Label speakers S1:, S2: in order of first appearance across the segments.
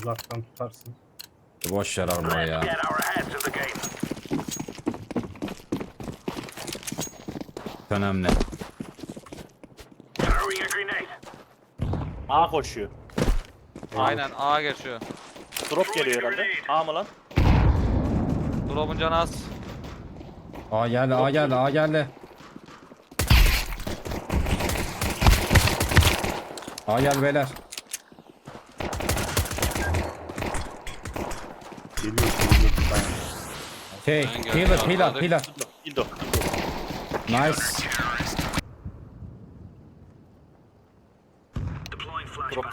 S1: Uzaktan tutarsın.
S2: Boş yer arma ya. Önemli.
S3: A koşuyor.
S4: Aynen A geçiyor.
S3: Drop geliyor herhalde. A mı lan?
S4: Drop'un canı az.
S2: A geldi, A geldi, A geldi. A geldi beyler.
S1: Geliyor.
S2: Şey,
S4: Ben
S2: healer,
S4: geldim,
S2: healer,
S4: arkadaş.
S2: healer.
S3: Dildo.
S2: Nice.
S3: Drop.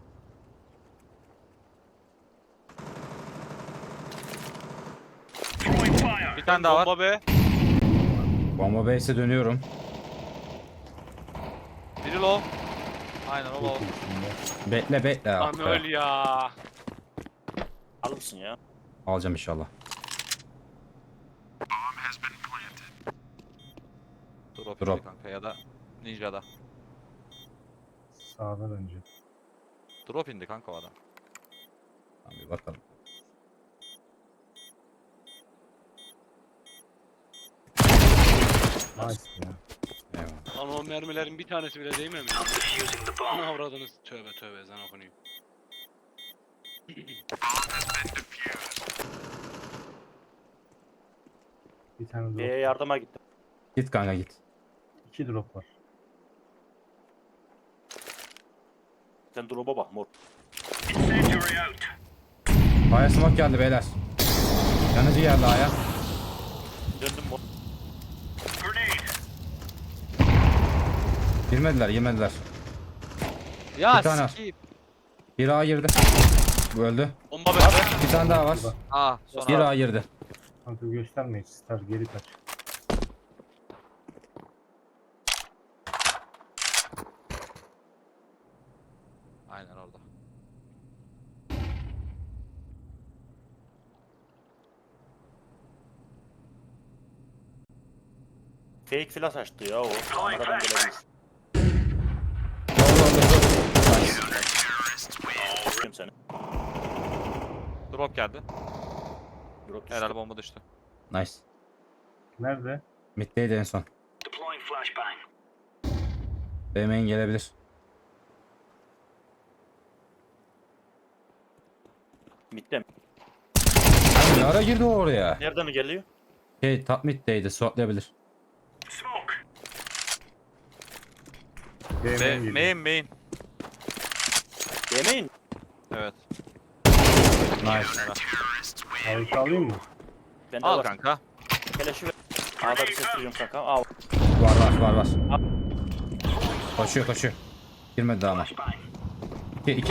S4: Bir tane daha var.
S5: Bomba be.
S2: Bomba base'e dönüyorum.
S4: Biri low. Aynen o low.
S2: Bekle bekle.
S5: Lan öl ya.
S3: Alırsın ya.
S2: Alacağım inşallah.
S4: Drop,
S2: Drop.
S4: indi kanka ya da Ninja'da.
S1: Sağdan önce.
S4: Drop indi kanka o adam.
S2: Tamam, bir bakalım.
S1: Nice ya.
S2: Eyvallah.
S5: Lan o mermilerin bir tanesi bile değmemiş. Ana avradınız. Tövbe tövbe ezan okunuyor.
S1: Bir tane drop.
S3: B'ye yardıma gittim.
S2: Git kanka git.
S1: 2 drop var.
S3: Sen drop'a bak mor.
S2: A'ya smoke geldi beyler. Yanıcı geldi A'ya.
S3: Döndüm mor.
S2: Girmediler.
S4: Ya
S2: Bir tane.
S4: skip.
S2: Bir A girdi. Bu öldü.
S5: Bomba be.
S2: Bir tane daha var.
S4: A
S2: Bir
S4: sonra.
S2: A girdi.
S1: Kanka göstermeyin. Star geri kaç.
S4: Aynen orada.
S3: Fake flash açtı ya o. Kameradan gelebilir. Kim seni?
S4: Drop geldi.
S3: Drop düştü.
S4: Herhalde bomba düştü.
S2: Nice.
S1: Nerede?
S2: Mid'deydi en son. B main gelebilir.
S3: Mid'de mi?
S2: Ne ara girdi o oraya?
S3: Nereden geliyor?
S2: Şey top mid'deydi. Swatlayabilir.
S4: Main.
S3: Yemeyin.
S4: Evet.
S2: Nice.
S1: Harika alayım mı?
S3: Ben de
S4: Al
S3: var.
S4: kanka.
S3: Keleşi ver. A'da bir ses duyuyorum kanka. Al.
S2: Var. Koşuyor. Girmedi daha ama. 2.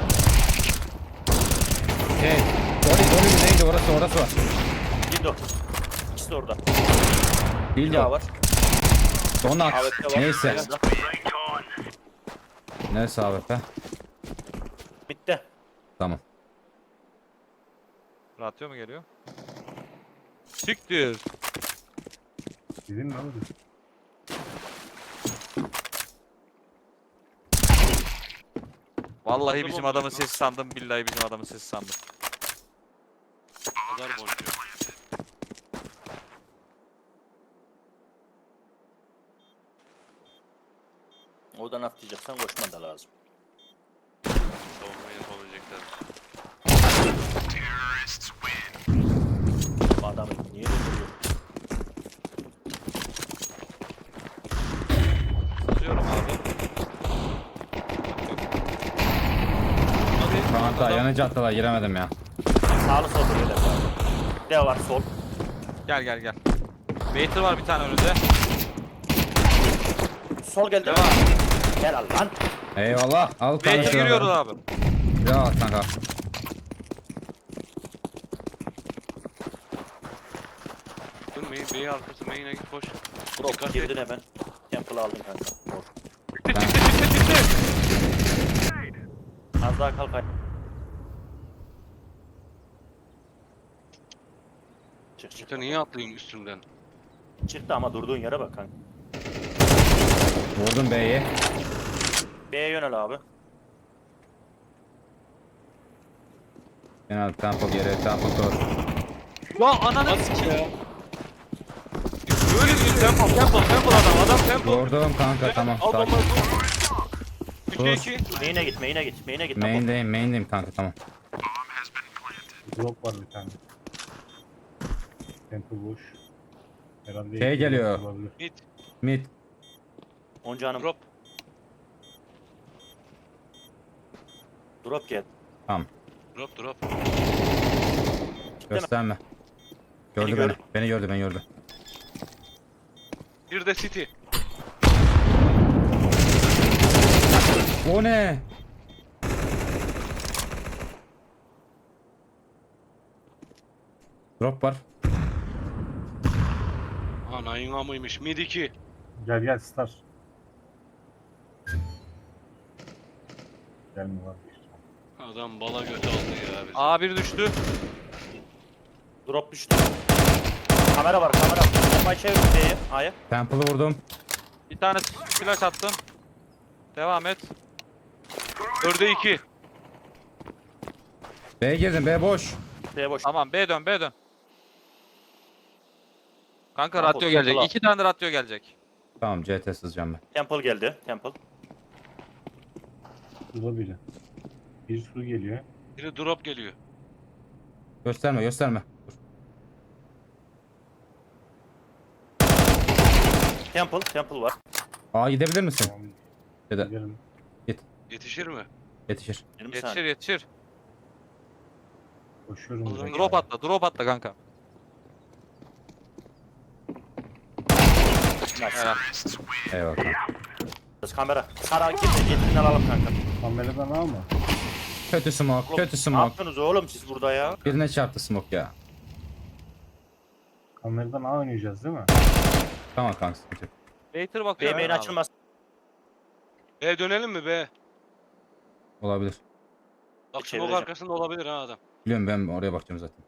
S2: Hey. Dolly neydi orası var.
S3: Dildo. İkisi de orada.
S2: Değil
S3: Bir daha
S2: o.
S3: var.
S2: Donat.
S3: AWP var.
S2: Neyse.
S3: Helal.
S2: Neyse abi be.
S3: Mid'de.
S2: Tamam.
S4: Ratio mu geliyor? Siktir.
S1: Dedim mi abi?
S4: Vallahi
S5: Nasıl
S4: bizim
S5: bomba
S4: adamın
S5: lan?
S4: sesi sandım. Billahi bizim adamın sesi sandım.
S5: Pazar boncuğu.
S3: Oradan atlayacaksan koşman da lazım.
S5: Savunma yapabilecekler.
S3: Bu adamı niye öldürüyor?
S4: Tutuyorum abi.
S2: Kanka yanıcı attılar giremedim ya.
S3: Sağlı sol böyle. De var sol.
S4: Gel. Waiter var bir tane önünde.
S3: Sol geldi.
S4: Devam.
S3: Gel al lan.
S2: Eyvallah. Al kanka.
S4: Waiter giriyoruz abi.
S2: Ya kanka.
S5: Dön main arkası main'e git koş.
S3: Bro
S5: Dikkat
S3: girdin
S5: et.
S3: hemen. Temple aldın kanka. Mor.
S4: Çıktı.
S3: Az daha kalk. Çık.
S5: Sen niye atlayayım üstünden?
S3: Çıktı ama durduğun yere bak kanka.
S2: Vurdum B'yi.
S3: B'ye yönel abi.
S2: Genel tempo geri, tempo dur.
S4: Ya ananı
S5: Nasıl ki ya?
S4: böyle bir tempo adam tempo.
S2: Vurdum kanka, tamam.
S4: Al
S2: Sakin.
S4: bombayı vur. 3'e 2.
S3: Main'e git, main'e git, main'e git.
S2: Main'deyim kanka, tamam.
S1: Drop var bir tane. Temple boş. Herhalde
S2: Şey
S1: iki
S2: geliyor.
S1: drop olabilir.
S5: Mid.
S2: Mid.
S3: 10 canım.
S5: Drop.
S3: Drop gel.
S2: Tamam.
S5: Drop.
S2: Gösterme. Gördü
S3: Beni
S2: beni.
S3: gördü.
S2: Beni gördü.
S5: Bir de City.
S2: O ne? Drop var.
S5: Anayın amıymış. Mid 2.
S1: Gel Star. Gelme var.
S5: Adam bala götü aldı ya. Bizi.
S4: A1 düştü.
S3: Drop düştü. Kamera var, kamera. Bombayı çevir B'ye. A'ya.
S2: Temple'ı vurdum.
S4: Bir tane flash attım. Devam et.
S5: 4'e 2.
S2: B'ye girdim. B boş.
S3: B boş.
S4: Tamam B dön. Kanka
S3: Tamam,
S4: radyo gelecek.
S3: tamam.
S4: 2 tane radyo gelecek.
S2: Tamam, CT sızacağım ben.
S3: Temple geldi. Temple.
S1: Suda biri. Bir su geliyor.
S5: Biri drop geliyor.
S2: Gösterme. Dur.
S3: Temple var.
S2: Aa, gidebilir misin?
S1: Tamam.
S2: Ya da
S1: Gidelim.
S5: Yetişir mi?
S2: yetişir.
S3: 20 saniye.
S4: Yetişir.
S1: Koşuyorum.
S5: Allah'ım.
S1: direkt.
S4: Drop atla kanka.
S3: Nice.
S4: Helal.
S2: Eyvallah kanka.
S3: Kamera. Sara git. Yetinden alalım kanka.
S1: Kameradan alma.
S2: Kötü smoke.
S3: Oğlum,
S2: Kötü
S3: Ne
S2: smoke.
S3: yaptınız oğlum siz burada ya?
S2: Birine çarptı smoke ya.
S1: Kameradan A oynayacağız değil mi?
S2: Tamam kanka, sıkıntı yok.
S4: Waiter bakıyor.
S3: B main açılmaz.
S5: B dönelim mi B?
S2: Olabilir.
S5: Bak smoke
S3: Çevireceğim.
S5: arkasında olabilir ha adam.
S2: Biliyorum, ben oraya bakacağım zaten.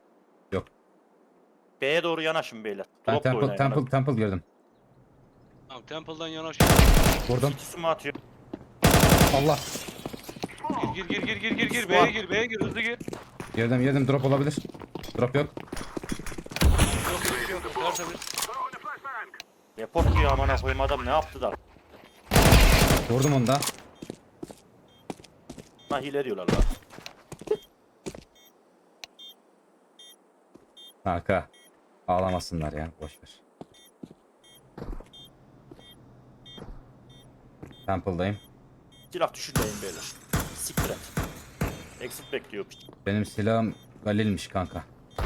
S3: B'ye doğru yanaşın beyler.
S2: Ben
S3: Drop da oynayın.
S2: Temple girdim.
S5: Tamam Temple'dan yanaş.
S2: Vurdum.
S3: İkisi mi atıyor?
S2: Allah.
S5: Gir. B'ye gir. Hızlı gir.
S2: Girdim. Drop olabilir. Drop yok.
S5: Yok. Tertemiz.
S3: Report diyor amına koyayım adam ne yaptı da?
S2: Vurdum onu da.
S3: Ha hile diyorlar lan.
S2: Kanka. Ağlamasınlar ya. Boşver. Temple'dayım.
S3: Silah düşürmeyin beyler. Siktir et. Exit bekliyor piç.
S2: Benim silahım Galil'miş kanka.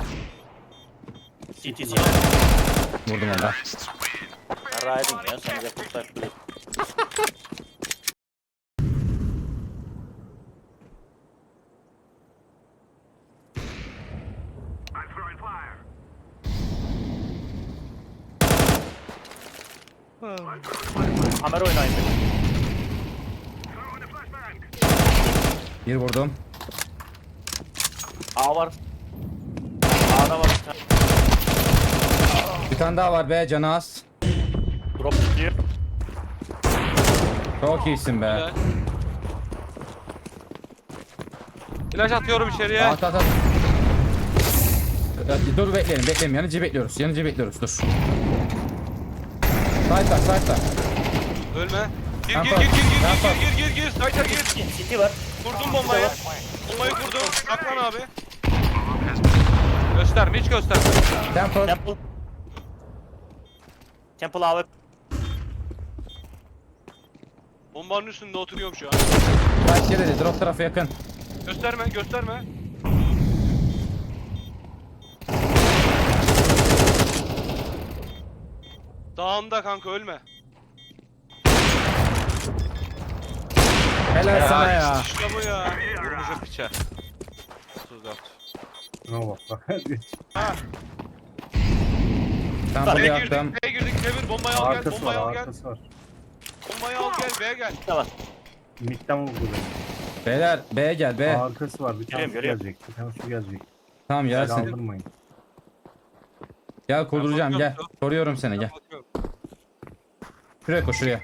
S3: CT.
S2: Vurdum onu da.
S3: Yarraydın ya sen reportlar bile. Kamera oynayın beyler.
S2: Bir vurdum.
S3: A var. A'da var bir tane.
S2: Bir tane daha var be, canı az.
S3: Drop gidiyor.
S2: Çok iyisin be.
S5: Helal.
S4: Flash atıyorum içeriye.
S2: At. Dur bekleyelim. Yanıcı bekliyoruz. Dur. Side'da.
S5: Ölme. Gir.
S2: Rampa.
S5: Sayta gir.
S3: CT var.
S5: Kurdum bombayı. Bombayı kurdum. Saklan abi.
S4: Gösterme, hiç gösterme.
S2: Temple.
S3: Temple A ve
S5: Bombanın üstünde oturuyorum şu an.
S2: Kaç yere drop tarafı yakın.
S5: Gösterme. Dağında kanka ölme.
S2: Helal sana ya.
S5: İşte bu ya.
S4: Vurmuşum piçe. 34.
S1: Ne bak bak.
S2: Temple'ı
S5: B'ye
S2: yaktım.
S5: girdik. Çevir. Bombayı al gel.
S1: Arkası var,
S5: Bombayı al gel.
S1: arkası var.
S5: Bombayı al gel. B'ye gel.
S3: de var.
S1: Mid'den vurdu beni.
S2: Beyler B'ye gel B.
S1: Arkası var. Bir tane su
S3: Geliyorum.
S1: gelecek. Bir tane su gelecek.
S2: Tamam gelsin.
S1: Kaldırmayın.
S2: Gel kurduracağım
S4: Ben
S2: gel.
S4: bakıyorum.
S2: Koruyorum seni gel.
S4: Bakıyorum.
S2: Şuraya koş şuraya.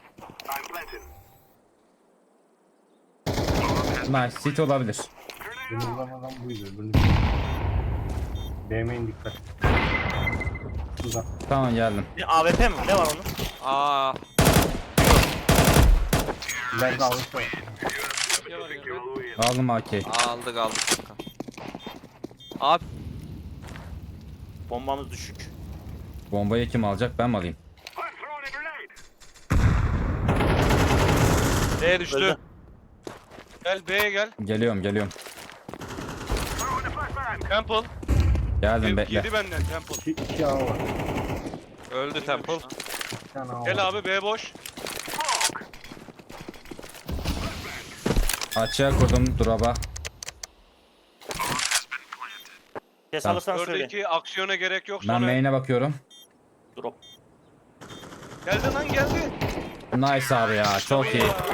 S2: Nice. City olabilir.
S1: Beni vuran adam buydu. Öbürünü BM'in dikkat. Şurada.
S2: Tamam geldim.
S3: Bir AWP mi? Ne var onun?
S4: Aa,
S1: İleride alırsa
S5: Ne var yanında?
S2: Aldım AK'yi.
S4: aldık kanka. Abi
S3: Bombamız düşük.
S2: Bombayı kim alacak, ben mi alayım?
S4: B düştü.
S3: Öldü.
S5: Gel B'ye gel.
S2: Geliyorum.
S5: Temple.
S2: Geldim bekle.
S5: Yedi benden Temple.
S1: iki A var.
S4: Öldü Temple.
S1: İki tane A var.
S5: Gel abi B boş.
S2: Açığa kurdum drop'a.
S3: Kes
S2: Tamam.
S3: alırsan söyle.
S5: Oradaki aksiyona gerek yok.
S2: Ben
S5: Sonra
S2: main'e bakıyorum.
S3: Drop.
S5: geldi lan geldi.
S2: Nice abi ya, çok iyi.